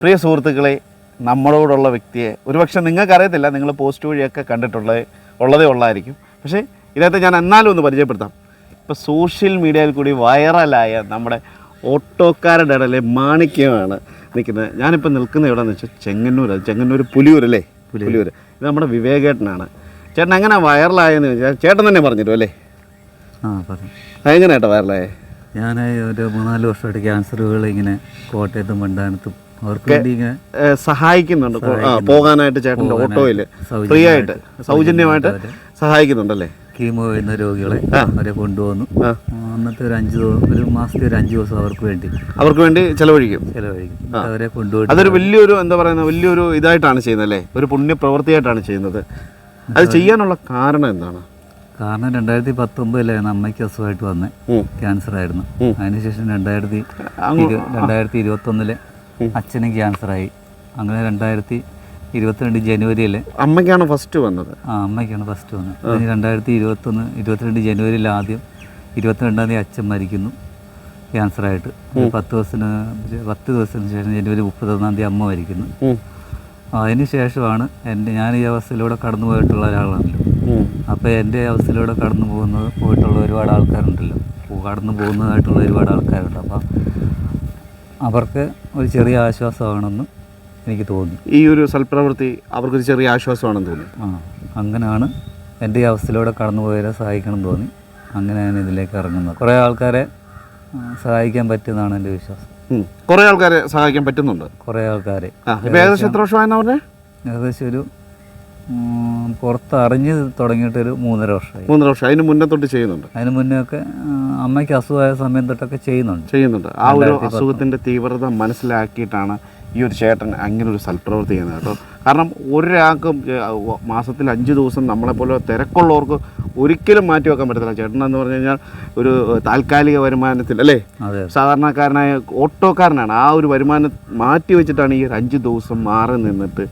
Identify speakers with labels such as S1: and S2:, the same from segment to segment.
S1: പ്രിയ സുഹൃത്തുക്കളെ, നമ്മളോടുള്ള വ്യക്തിയെ ഒരുപക്ഷെ നിങ്ങൾക്കറിയത്തില്ല, നിങ്ങൾ പോസ്റ്റ് വഴിയൊക്കെ ഉള്ളതേ ഉള്ളായിരിക്കും. പക്ഷേ ഇതിനകത്ത് ഞാൻ എന്നാലും ഒന്ന് പരിചയപ്പെടുത്താം. ഇപ്പോൾ സോഷ്യൽ മീഡിയയിൽ കൂടി വൈറലായ നമ്മുടെ ഓട്ടോക്കാരുടെ ഇടയിലെ മാണിക്യമാണ് നിൽക്കുന്നത്. ഞാനിപ്പോൾ നിൽക്കുന്ന എവിടെയെന്ന് വെച്ചാൽ ചെങ്ങന്നൂർ പുലിയൂരല്ലേ, പുലിയൂർ. ഇത് നമ്മുടെ വിവേകേട്ടനാണ്. ചേട്ടൻ എങ്ങനെ വൈറലായെന്ന് ചോദിച്ചാൽ ചേട്ടൻ തന്നെ പറഞ്ഞിരും അല്ലേ? എങ്ങനെ ഏട്ടാ വൈറലായേ?
S2: ഞാൻ ഒരു 3-4 വർഷമായിട്ട് ക്യാൻസറുകൾ ഇങ്ങനെ കോട്ടയത്തും മണ്ടാനത്തും അവർക്ക് വേണ്ടി ഇങ്ങനെ
S1: സഹായിക്കുന്നുണ്ട്. പോകാനായിട്ട് ചേട്ടൻ്റെ ഓട്ടോയിൽ ഫ്രീ ആയിട്ട് സൗജന്യമായിട്ട് സഹായിക്കുന്നുണ്ടല്ലേ?
S2: കീമോ ചെയ്യുന്ന രോഗികളെ അവരെ കൊണ്ടുപോകുന്നു. അന്നത്തെ ഒരു മാസത്തെ ഒരു 5 ദിവസം അവർക്ക് വേണ്ടി ചെലവഴിക്കും. അവരെ കൊണ്ടുപോയി
S1: അതൊരു വലിയൊരു എന്താ പറയുന്നത്, വലിയൊരു ഇതായിട്ടാണ് ചെയ്യുന്നത് അല്ലേ? ഒരു പുണ്യപ്രവൃത്തിയായിട്ടാണ് ചെയ്യുന്നത്. അത് ചെയ്യാനുള്ള കാരണം എന്താണ്?
S2: കാരണം 2019 അമ്മയ്ക്ക് അസുഖമായിട്ട് വന്നേ, ക്യാൻസർ ആയിരുന്നു. അതിനുശേഷം 2021 അച്ഛനും ക്യാൻസറായി. അങ്ങനെ 2022 ജനുവരിയിൽ
S1: അമ്മയ്ക്കാണ് ഫസ്റ്റ് വന്നത്.
S2: അമ്മയ്ക്കാണ് ഫസ്റ്റ് വന്നത്. അതിന് 2022 ജനുവരിയിൽ ആദ്യം 22-ാം തീയതി അച്ഛൻ മരിക്കുന്നു ക്യാൻസറായിട്ട്. 10 ദിവസത്തിന് ശേഷം ജനുവരി 31-ാം തീയതി അമ്മ മരിക്കുന്നു. അതിന് ശേഷമാണ് ഞാൻ ഈ അവസ്ഥയിലൂടെ കടന്നു പോയിട്ടുള്ള ഒരാളാണല്ലോ. അപ്പോൾ എൻ്റെ അവസ്ഥയിലൂടെ പോയിട്ടുള്ള ഒരുപാട് ആൾക്കാരുണ്ടല്ലോ, കടന്നു പോകുന്നതായിട്ടുള്ള ഒരുപാട് ആൾക്കാരുണ്ട്. അപ്പം അവർക്ക് ഒരു ചെറിയ ആശ്വാസമാണെന്ന് എനിക്ക് തോന്നി.
S1: ഈ ഒരു സൽപ്രവൃത്തി അവർക്കൊരു ചെറിയ ആശ്വാസമാണെന്ന് തോന്നി.
S2: അങ്ങനെയാണ് എൻ്റെ ഈ അവസ്ഥയിലൂടെ കടന്നു പോയവരെ സഹായിക്കണം എന്ന് തോന്നി. അങ്ങനെയാണ് ഇതിലേക്ക് ഇറങ്ങുന്നത്. കുറേ ആൾക്കാരെ സഹായിക്കാൻ പറ്റുമെന്നാണ് എൻ്റെ വിശ്വാസം.
S1: കുറേ ആൾക്കാരെ സഹായിക്കാൻ പറ്റുന്നുണ്ട്.
S2: കുറേ ആൾക്കാരെ
S1: ഏകദേശം എത്ര വർഷമായെന്ന് പറഞ്ഞേ?
S2: ഏകദേശം ഒരു പുറത്ത് അറിഞ്ഞ് തുടങ്ങിയിട്ടൊരു 3.5 വർഷമായി.
S1: 3.5 വർഷം. അതിന് മുന്നേ തൊട്ട് ചെയ്യുന്നുണ്ട്?
S2: അതിന് മുന്നേ ഒക്കെ അമ്മയ്ക്ക് അസുഖമായ സമയം തൊട്ടൊക്കെ ചെയ്യുന്നുണ്ട്.
S1: ആ ഒരു അസുഖത്തിൻ്റെ തീവ്രത മനസ്സിലാക്കിയിട്ടാണ് ഈ ഒരു ചേട്ടൻ അങ്ങനെ ഒരു സൽപ്രവൃത്തി ചെയ്യുന്നത് കേട്ടോ. കാരണം ഒരാൾക്കും മാസത്തിൽ 5 ദിവസം നമ്മളെപ്പോലെ തിരക്കുള്ളവർക്ക് ഒരിക്കലും മാറ്റി വെക്കാൻ പറ്റത്തില്ല. ചേട്ടനെന്ന് പറഞ്ഞു കഴിഞ്ഞാൽ ഒരു താൽക്കാലിക വരുമാനത്തിൽ അല്ലേ, സാധാരണക്കാരനായ ഓട്ടോക്കാരനാണ്. ആ ഒരു വരുമാനം മാറ്റി വെച്ചിട്ടാണ് ഈ ഒരു 5 ദിവസം മാറി നിന്നിട്ട്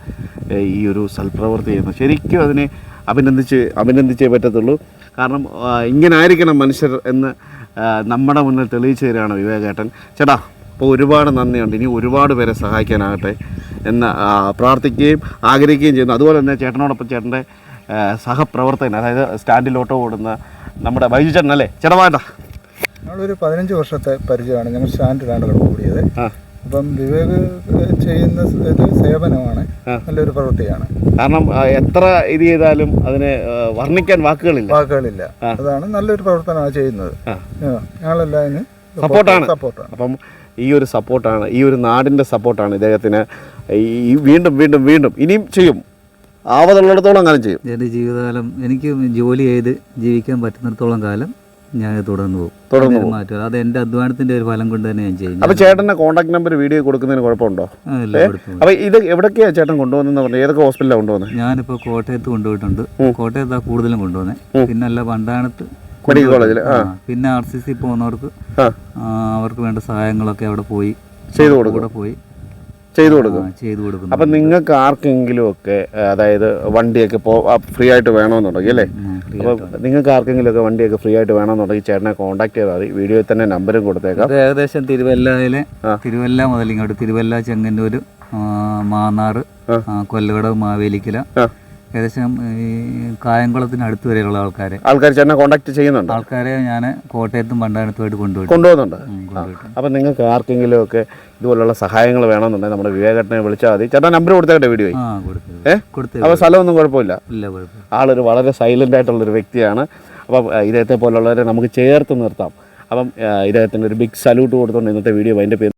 S1: ഈ ഒരു സൽപ്രവൃത്തി ചെയ്യുന്നത്. ശരിക്കും അതിനെ അഭിനന്ദിച്ചേ പറ്റത്തുള്ളൂ. കാരണം ഇങ്ങനെ ആയിരിക്കണം മനുഷ്യർ എന്ന് നമ്മുടെ മുന്നിൽ തെളിയിച്ചു തരികയാണ് വിവേകേട്ടൻ. ചേട്ടാ, അപ്പോൾ ഒരുപാട് നന്ദിയുണ്ട്. ഇനി ഒരുപാട് പേരെ സഹായിക്കാനാകട്ടെ എന്ന് പ്രാർത്ഥിക്കുകയും ആഗ്രഹിക്കുകയും ചെയ്യുന്നു. അതുപോലെ തന്നെ ചേട്ടനോടൊപ്പം ചേട്ടൻ്റെ സഹപ്രവർത്തകൻ, അതായത് സ്റ്റാൻഡിൽ ഓട്ടോ ഓടുന്ന നമ്മുടെ ബൈജു ചേട്ടൻ അല്ലേ? ചേട്ടമായിട്ടാ
S3: ഞങ്ങളൊരു 15 വർഷത്തെ പരിചയമാണ്. ഞങ്ങൾ സ്റ്റാൻഡിലാണ് കൂടിയത്. അപ്പം വിവേക് ചെയ്യുന്ന ഇത് സേവനമാണ്, നല്ലൊരു പ്രവൃത്തിയാണ്.
S1: കാരണം എത്ര ഇത് ചെയ്താലും അതിനെ വർണ്ണിക്കാൻ വാക്കുകളില്ല.
S3: അതാണ് നല്ലൊരു പ്രവർത്തനമാണ് ചെയ്യുന്നത്. ഞങ്ങളെല്ലാം അതിന്
S1: സപ്പോർട്ടാണ്. അപ്പം ഈ ഒരു സപ്പോർട്ടാണ്, ഈ ഒരു നാടിൻ്റെ സപ്പോർട്ടാണ് ഇദ്ദേഹത്തിന്. ഈ വീണ്ടും വീണ്ടും വീണ്ടും ഇനിയും ചെയ്യും, ആവതുള്ളിടത്തോളം കാലം ചെയ്യും.
S2: എൻ്റെ ജീവിതകാലം എനിക്ക് ജോലി ചെയ്ത് ജീവിക്കാൻ പറ്റുന്നിടത്തോളം കാലം ഞാൻ തുടർന്നു പോകും. മാറ്റും. അത് എൻ്റെ അധ്വാനത്തിൻ്റെ ഒരു ഫലം കൊണ്ട് തന്നെ ഞാൻ ചെയ്യും.
S1: അപ്പോൾ ചേട്ടൻ്റെ കോൺടാക്ട് നമ്പർ വീഡിയോ കൊടുക്കുന്നതിന് കുഴപ്പമുണ്ടോ? അപ്പോൾ ഇത് എവിടേക്കാണ് ചേട്ടൻ കൊണ്ടുപോകുന്നതെന്ന് പറഞ്ഞു? ഏതൊക്കെ ഹോസ്പിറ്റലാണ് കൊണ്ടുപോകുന്നത്?
S2: ഞാനിപ്പോൾ കോട്ടയത്ത് കൊണ്ടുപോയിട്ടുണ്ട്. കോട്ടയത്താണ് കൂടുതലും കൊണ്ടുപോകുന്നത്. പിന്നല്ല വണ്ടാനത്ത്
S1: മെഡിക്കൽ കോളേജിൽ,
S2: പിന്നെ RCC പോകുന്നവർക്ക് അവർക്ക് വേണ്ട സഹായങ്ങളൊക്കെ അവിടെ പോയി
S1: ചെയ്തു കൊടുക്കും.
S2: ചെയ്തു കൊടുക്കും.
S1: അപ്പം നിങ്ങൾക്ക് ആർക്കെങ്കിലും ഒക്കെ, അതായത് വണ്ടിയൊക്കെ ഫ്രീ ആയിട്ട് വേണമെന്നുണ്ടെങ്കിൽ അല്ലേ, അപ്പോൾ നിങ്ങൾക്ക് ആർക്കെങ്കിലും ഒക്കെ വണ്ടിയൊക്കെ ഫ്രീ ആയിട്ട് വേണമെന്നുണ്ടെങ്കിൽ ചേട്ടനെ കോൺടാക്ട് ചെയ്താൽ മതി. വീഡിയോയിൽ തന്നെ നമ്പരും കൊടുത്തേക്കാം.
S2: ഏകദേശം തിരുവല്ല മുതൽ ഇങ്ങോട്ട് തിരുവല്ല, ചെങ്ങന്നൂർ, മാന്നാർ, കൊല്ലകടവ്, മാവേലിക്കല, ഏകദേശം ഈ കായംകുളത്തിന് അടുത്ത് വരെയുള്ള ആൾക്കാർ
S1: ചേട്ടനെ കോൺടാക്ട് ചെയ്യുന്നുണ്ട്.
S2: ആൾക്കാരെ ഞാൻ കോട്ടയത്തും പണ്ടാനത്തുമായിട്ട്
S1: കൊണ്ടുപോകുന്നുണ്ട്. അപ്പം നിങ്ങൾക്ക് ആർക്കെങ്കിലും ഒക്കെ ഇതുപോലുള്ള സഹായങ്ങൾ വേണമെന്നുണ്ടെങ്കിൽ നമ്മുടെ വിവേകേട്ടനെ വിളിച്ചാൽ മതി. ചേട്ടാ നമ്പർ കൊടുത്തേക്കട്ടെ വീഡിയോ. അപ്പോൾ സ്ഥലമൊന്നും കുഴപ്പമില്ല. ആളൊരു വളരെ സൈലൻ്റ് ആയിട്ടുള്ളൊരു വ്യക്തിയാണ്. അപ്പം ഇദ്ദേഹത്തെ പോലുള്ളവരെ നമുക്ക് ചേർത്ത് നിർത്താം. അപ്പം ഇദ്ദേഹത്തിൻ്റെ ഒരു ബിഗ് സല്യൂട്ട് കൊടുത്തുകൊണ്ട് ഇന്നത്തെ വീഡിയോ അതിൻ്റെ പേര്